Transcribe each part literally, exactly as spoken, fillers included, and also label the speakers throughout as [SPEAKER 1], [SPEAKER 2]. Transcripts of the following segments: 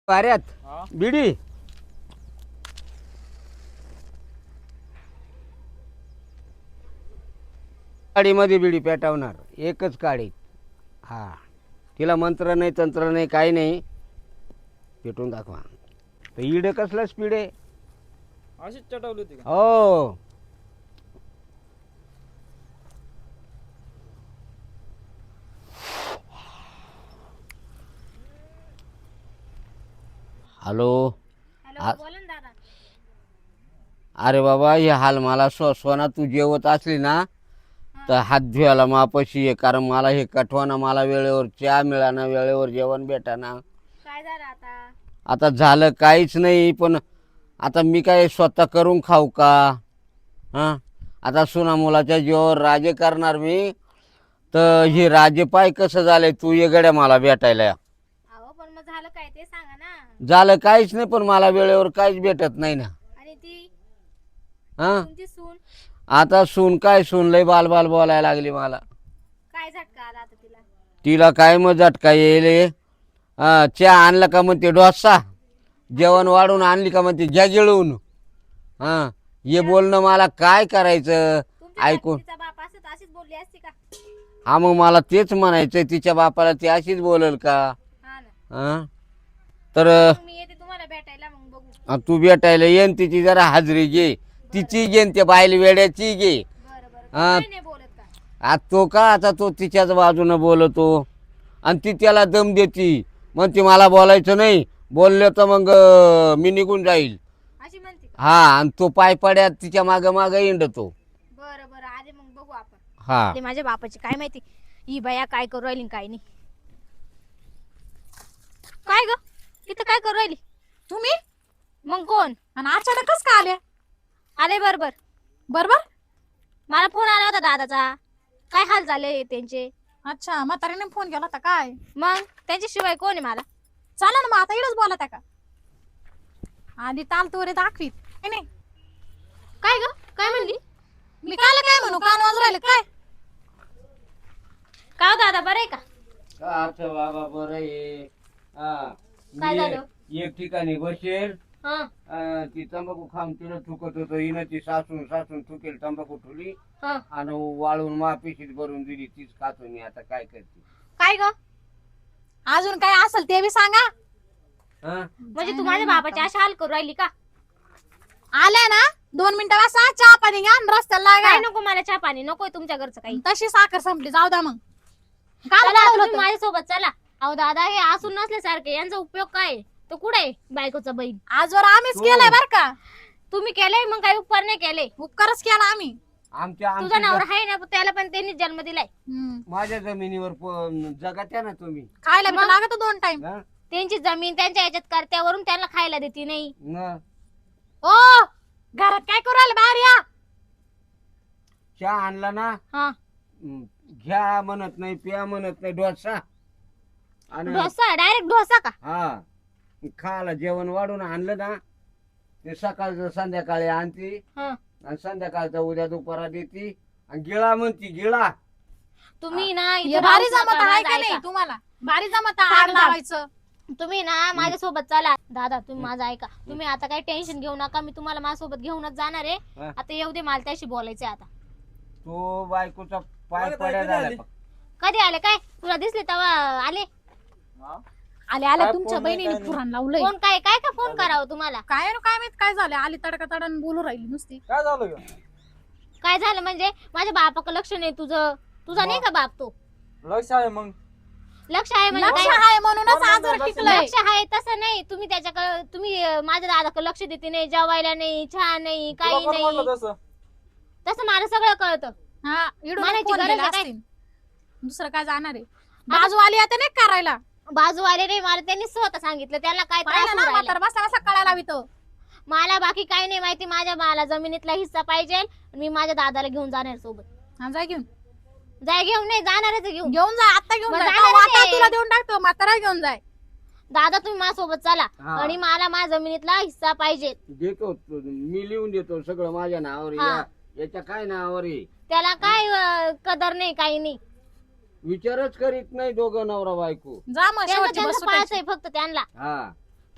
[SPEAKER 1] पाऱ्यात
[SPEAKER 2] हा?
[SPEAKER 1] बिडी काडीमध्ये बिडी पेटवणार एकच काडी. हा तिला मंत्र नाही तंत्र नाही काही नाही, पेटून दाखवा. तर इड कसलं स्पीड आहे.
[SPEAKER 2] अशीच चटवली होती का?
[SPEAKER 1] हो हॅलो.
[SPEAKER 3] हॅलो
[SPEAKER 1] आ-
[SPEAKER 3] बोला ना दादा.
[SPEAKER 1] अरे बाबा हे हाल मला स्व सोना तू जेवत असली ना तर हात धुवायला मापाशी आहे, कारण मला हे कठवाना, मला वेळेवर चहा मिळाना, वेळेवर जेवण भेटाना.
[SPEAKER 3] काय झालं आता?
[SPEAKER 1] आता झालं काहीच नाही, पण आता मी काय स्वतः करून खाऊ का? हां आता सुना मुलाच्या जीवावर राजे करणार मी. तर हे राजे पाय कसं झालंय, तू ये गड्या मला भेटायला.
[SPEAKER 3] अहो पण मग झालं काय ते सांगा ना.
[SPEAKER 1] झालं काहीच नाही, पण मला वेळेवर काहीच भेटत नाही ना.
[SPEAKER 3] आणि ती
[SPEAKER 1] हां
[SPEAKER 3] तुमची सून
[SPEAKER 1] आता सून काय, सून लय बाल बाल बोलायला लागली मला.
[SPEAKER 3] काय झटका आला आता तिला?
[SPEAKER 1] तिला काय मग झटका येईल. हा चहा आणला का म्हणते डोसा, जेवण वाढून आणली का म्हणते घ्या गिळून. हां हे बोलणं मला काय करायचं
[SPEAKER 3] तुमच्या
[SPEAKER 1] ऐकून.
[SPEAKER 3] तिचा बाप असत अशीच बोलली असती का?
[SPEAKER 1] हा मग मला तेच म्हणायचं, तिच्या बापाला ती अशीच बोलल का?
[SPEAKER 3] हा ना.
[SPEAKER 1] हां तर
[SPEAKER 3] मग मी येते तुम्हाला भेटायला, मग बघू.
[SPEAKER 1] अ, तू भेटायला येन, तिची जरा हाजरी घे, तिची घेन त्या बाईल वेड्याची घे.
[SPEAKER 3] बरं बरं तू
[SPEAKER 1] हा.
[SPEAKER 3] काय नाही बोलत का?
[SPEAKER 1] आज तो का आता तो तिच्याच बाजूनं बोलतो आणि ती त्याला दम देती, मग ती मला बोलायचं नाही, बोललं तर मग अं, मी निघून जाईल.
[SPEAKER 3] अशी म्हणते का?
[SPEAKER 1] हा आणि तो पाय पड्यात तिच्या माग माग हिंडतो.
[SPEAKER 3] बरं बरं आले मग बघू आपण.
[SPEAKER 1] हा
[SPEAKER 3] ते माझ्या बापाची काय माहिती ही बाया काय करू राहिली आणि काय नाही. काय ग इथं काय करू राहिली
[SPEAKER 4] तुम्ही?
[SPEAKER 3] मग? कोण
[SPEAKER 4] आणि अचानकच का आल्या?
[SPEAKER 3] आले? बरोबर
[SPEAKER 4] बरोबर.
[SPEAKER 3] मला फोन आला होता दादाचा, काय हाल झाले त्यांचे.
[SPEAKER 4] अच्छा म्हातारीने फोन केला होता काय?
[SPEAKER 3] मग त्यांच्याशिवाय कोण आहे मला?
[SPEAKER 4] चला ना मग आता इडच बोला त्या का. आधी ताल तोरे दाखवीत काय नाही.
[SPEAKER 3] काय ग काय म्हणली?
[SPEAKER 4] मी कायला काय म्हणू, कान वाजू राहिले काय?
[SPEAKER 3] का हो दादा बरं आहे का?
[SPEAKER 1] अच्छा बाबा बरं आहे. हा
[SPEAKER 3] काय
[SPEAKER 1] मी
[SPEAKER 3] झालं?
[SPEAKER 1] एक ठिकाणी बसेल,
[SPEAKER 3] हा
[SPEAKER 1] अं, ती तंबाखू खाऊन तिला थुकत होतं, हिनं ती सासून सासून थुकेल तंबाखू ठुली
[SPEAKER 3] हा.
[SPEAKER 1] आणि वाळून मापिशीत भरून दिली, तीच खातो मी. आता काय करते.
[SPEAKER 3] काय ग
[SPEAKER 4] अजून काय असेल ते बी सांगा.
[SPEAKER 1] हा
[SPEAKER 3] म्हणजे तू माझ्या बाबाची अशी हाल करू राहिली का?
[SPEAKER 4] आल्या ना दोन मिनिटं वासा चहा पाणी घ्या आणि रस्त्याला
[SPEAKER 3] काय
[SPEAKER 4] लागा.
[SPEAKER 3] नको मला चहा पाणी, नकोय तुमच्या घरचं काही.
[SPEAKER 4] तशी साखर संपली, जाऊ द्या मग. काल
[SPEAKER 3] चला
[SPEAKER 4] बोलावलं
[SPEAKER 3] तुम्ही
[SPEAKER 4] होतं.
[SPEAKER 3] माझ्यासोबत चला. अहो दादा हे असून नसल्यासारखे, यांचा उपयोग काय? तो कुठे आहे बायकोचा बहीण?
[SPEAKER 4] आजवर आम्हीच केलंय बर का.
[SPEAKER 3] तुम्ही केलंय मग काही उपकार नाही केले.
[SPEAKER 4] उपकारच केला आम्ही.
[SPEAKER 1] आमच्या
[SPEAKER 3] तुझा
[SPEAKER 1] आमच्या
[SPEAKER 3] नवरा आहे ना, त्याला पण त्यांनी जन्म दिलाय.
[SPEAKER 4] हम्म.
[SPEAKER 1] माझ्या जमिनीवर प- जगात्या ना तुम्ही.
[SPEAKER 4] खायला बी लागत दोन टाइम.
[SPEAKER 1] हा?
[SPEAKER 3] त्यांची जमीन त्यांच्या याच्यात करत्यावरून त्यांना खायला देते नाही.
[SPEAKER 1] न
[SPEAKER 4] ओ घरात काय करू राहिले, बाहेर या.
[SPEAKER 1] चहा आणला ना,
[SPEAKER 3] हा
[SPEAKER 1] हं, घ्या म्हणत नाही, प्या म्हणत नाही, डोसा आणि
[SPEAKER 3] डोसा, डायरेक्ट डोसा का?
[SPEAKER 1] हा खायला जेवण वाढून आणलं ना, ते सकाळचं संध्याकाळी आणती
[SPEAKER 3] हा.
[SPEAKER 1] आणि संध्याकाळचं उद्या दुपारा देती आणि गिळा म्हणती गिळा.
[SPEAKER 3] तुम्ही ना
[SPEAKER 4] हे
[SPEAKER 3] इथं
[SPEAKER 4] भारी
[SPEAKER 3] राहूच
[SPEAKER 4] जमत
[SPEAKER 3] नका,
[SPEAKER 4] आहे
[SPEAKER 3] माझं
[SPEAKER 4] का नाही
[SPEAKER 3] ऐका.
[SPEAKER 4] तुम्हाला? भारी जमत आग
[SPEAKER 3] थांब, थांब.
[SPEAKER 4] लावायचं.
[SPEAKER 3] तुम्ही ना माझ्यासोबत चला. दादा तुम्ही माझं ऐका, तुम्ही आता काही टेन्शन घेऊ नका, मी तुम्हाला माझ्यासोबत घेऊनच जाणार आहे.
[SPEAKER 1] हा.
[SPEAKER 3] आता येऊ दे, मला त्याशी बोलायचंय आता.
[SPEAKER 1] तो बायकोचा पाय
[SPEAKER 2] मला
[SPEAKER 1] पड्या
[SPEAKER 2] कधी
[SPEAKER 1] झाला
[SPEAKER 2] आली?
[SPEAKER 1] फक्त.
[SPEAKER 3] कधी आले? काय तुला दिसले तेव्हा आले?
[SPEAKER 2] हा?
[SPEAKER 4] आले आले
[SPEAKER 2] काय
[SPEAKER 4] तुमच्या
[SPEAKER 2] फोन नाही,
[SPEAKER 4] बहिणीने
[SPEAKER 2] काय नाही.
[SPEAKER 4] पुराण लावलंय.
[SPEAKER 3] कोण काय काय का फोन करावं तुम्हाला?
[SPEAKER 4] काय नु काय माहित काय झालं, आली तडका तडन बोलू राहिली नुसती.
[SPEAKER 2] काय झालं ग?
[SPEAKER 3] काय झालं म्हणजे? माझ्या बापाकडे लक्ष नाही तुझं. तुझा नाही का बाप? तो
[SPEAKER 2] लक्ष आहे मग.
[SPEAKER 3] लक्ष आहे म्हणजे
[SPEAKER 4] लक्ष
[SPEAKER 3] काय?
[SPEAKER 4] आहे म्हणूनच
[SPEAKER 2] कोण
[SPEAKER 4] आजवर
[SPEAKER 2] म्हणलं
[SPEAKER 4] टिकलंय.
[SPEAKER 3] लक्ष आहे तसं नाही. तुम्ही त्याच्याकडे तुम्ही अं, माझ्या दादाकडे लक्ष देते नाही, जेवायला नाही, चहा नाही,
[SPEAKER 2] तुला
[SPEAKER 3] काही
[SPEAKER 2] कोण
[SPEAKER 3] नाही.
[SPEAKER 2] म्हणलं तसं?
[SPEAKER 3] तसं मला सगळं कळतं.
[SPEAKER 4] हा इडून
[SPEAKER 3] म्हणायची
[SPEAKER 4] फोन
[SPEAKER 3] गरज
[SPEAKER 4] केला
[SPEAKER 3] आहे काय?
[SPEAKER 4] असतील. दुसरं काय जाणार आहे? बाजू आली आता नाही करायला.
[SPEAKER 3] बाजू आले नाही, मला त्यांनी स्वतः सांगितलं. त्याला काय त्रास
[SPEAKER 4] पाहिलं
[SPEAKER 3] होऊ
[SPEAKER 4] ना
[SPEAKER 3] राहिला.
[SPEAKER 4] म्हातारा बसला बसला कळायला लावितो.
[SPEAKER 3] मला बाकी काही नाही माहिती. माझ्या मला जमिनीतला हिस्सा पाहिजे. मी माझ्या दादाला घेऊन जाणार सोबत.
[SPEAKER 4] हा जा घेऊन.
[SPEAKER 3] जाय घेऊन नाही जाणारच आहे घेऊन.
[SPEAKER 4] घेऊन जा आता घेऊन
[SPEAKER 3] मग
[SPEAKER 4] जा.
[SPEAKER 3] जाणारच
[SPEAKER 4] वाटा
[SPEAKER 3] आहे.
[SPEAKER 4] तुला देऊन टाकतो, म्हातारा घेऊन जाय.
[SPEAKER 3] दादा तुम्ही माझ्यासोबत चला
[SPEAKER 1] हा.
[SPEAKER 3] आणि मला माझ्या जमिनीतला हिस्सा पाहिजे.
[SPEAKER 1] देतो तो- मी लिहून देतो सगळं माझ्या नावावर.
[SPEAKER 3] हा.
[SPEAKER 1] या- याच्या काय नावावर आहे?
[SPEAKER 3] त्याला काय अं, कदर नाही, काही नाही.
[SPEAKER 1] विचारच करीत नाही दोघं नवरा बायको.
[SPEAKER 4] जा मग
[SPEAKER 3] त्यांचं
[SPEAKER 4] शेवटची
[SPEAKER 3] त्यांचं
[SPEAKER 4] बस
[SPEAKER 3] पाहायचंय
[SPEAKER 4] सुटायची.
[SPEAKER 3] फक्त त्यांना.
[SPEAKER 1] हा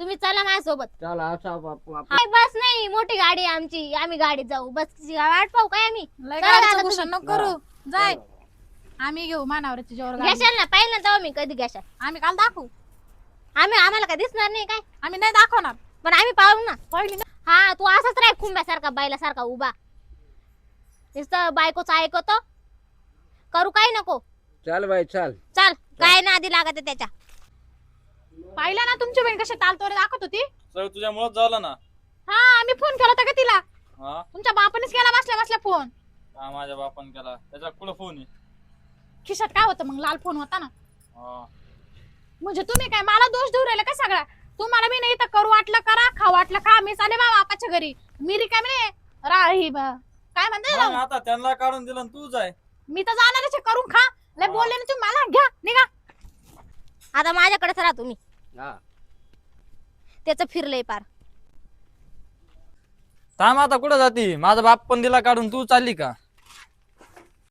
[SPEAKER 3] तुम्ही चला माझ्यासोबत.
[SPEAKER 1] चला असा बापू आपण
[SPEAKER 3] हाय, बस नाही, मोठी गाडी आहे आमची, आम्ही गाडीत जाऊ. बसची वाट पाहू काय आम्ही?
[SPEAKER 4] लय
[SPEAKER 3] चला
[SPEAKER 4] गाडीचं
[SPEAKER 3] दादा,
[SPEAKER 4] भूषण नको करू जाय आम्ही घेऊ मानावरची जोर गाडी.
[SPEAKER 3] घेशाल ना, पाहिलं ना तेव्हा मी कधी घेशाल.
[SPEAKER 4] आम्ही काल दाखवू
[SPEAKER 3] आम्ही आम्हाला काय दिसणार नाही काय,
[SPEAKER 4] आम्ही नाही दाखवणार
[SPEAKER 3] पण आम्ही पाहू ना.
[SPEAKER 4] पहिली ना
[SPEAKER 3] हा, तू असाच राह खुंब्यासारखा, बायलासारखा उभा, नुसतं बायकोच ऐकतो, करू काय नको.
[SPEAKER 1] चल बाई चल.
[SPEAKER 3] चल, काय नादी लागत आहे त्याच्या.
[SPEAKER 4] पाहिलं ना तुमची बहीण कशी तालतोरे दाखवत होती.
[SPEAKER 2] सगळं तुझ्यामुळेच झालं ना.
[SPEAKER 4] हा आम्ही फोन केला होता का तिला.
[SPEAKER 2] हा
[SPEAKER 4] तुमच्या बापानेच केला बसल्या बसल्या फोन.
[SPEAKER 2] हा, माझ्या बापान केला. त्याचा कुठं फोन आहे?
[SPEAKER 4] खिशात काय होतं मग, लाल फोन होता ना.
[SPEAKER 2] हा.
[SPEAKER 4] म्हणजे तुम्ही काय मला दोष देऊ राहिले का सगळा. तुम्हाला मी नाही तर करू वाटलं करा, खाऊ वाटलं खा. मी चाले मा बापाच्या घरी, मी रिकामी नाही राही बा- काय म्हणते
[SPEAKER 2] मग आता त्यांना काढून दिलं आणि तू जाय.
[SPEAKER 4] मी तर जाणारच आहे, करून खा. लय बोलले ना तुम्ही मला, घ्या निघा.
[SPEAKER 3] आता माझ्याकडेच राहा तुम्ही.
[SPEAKER 1] हा
[SPEAKER 3] त्याचं फिरलंय पार.
[SPEAKER 2] थांब, आता कुठं जाती? माझा बाप पण दिला काढून, तू चालली का?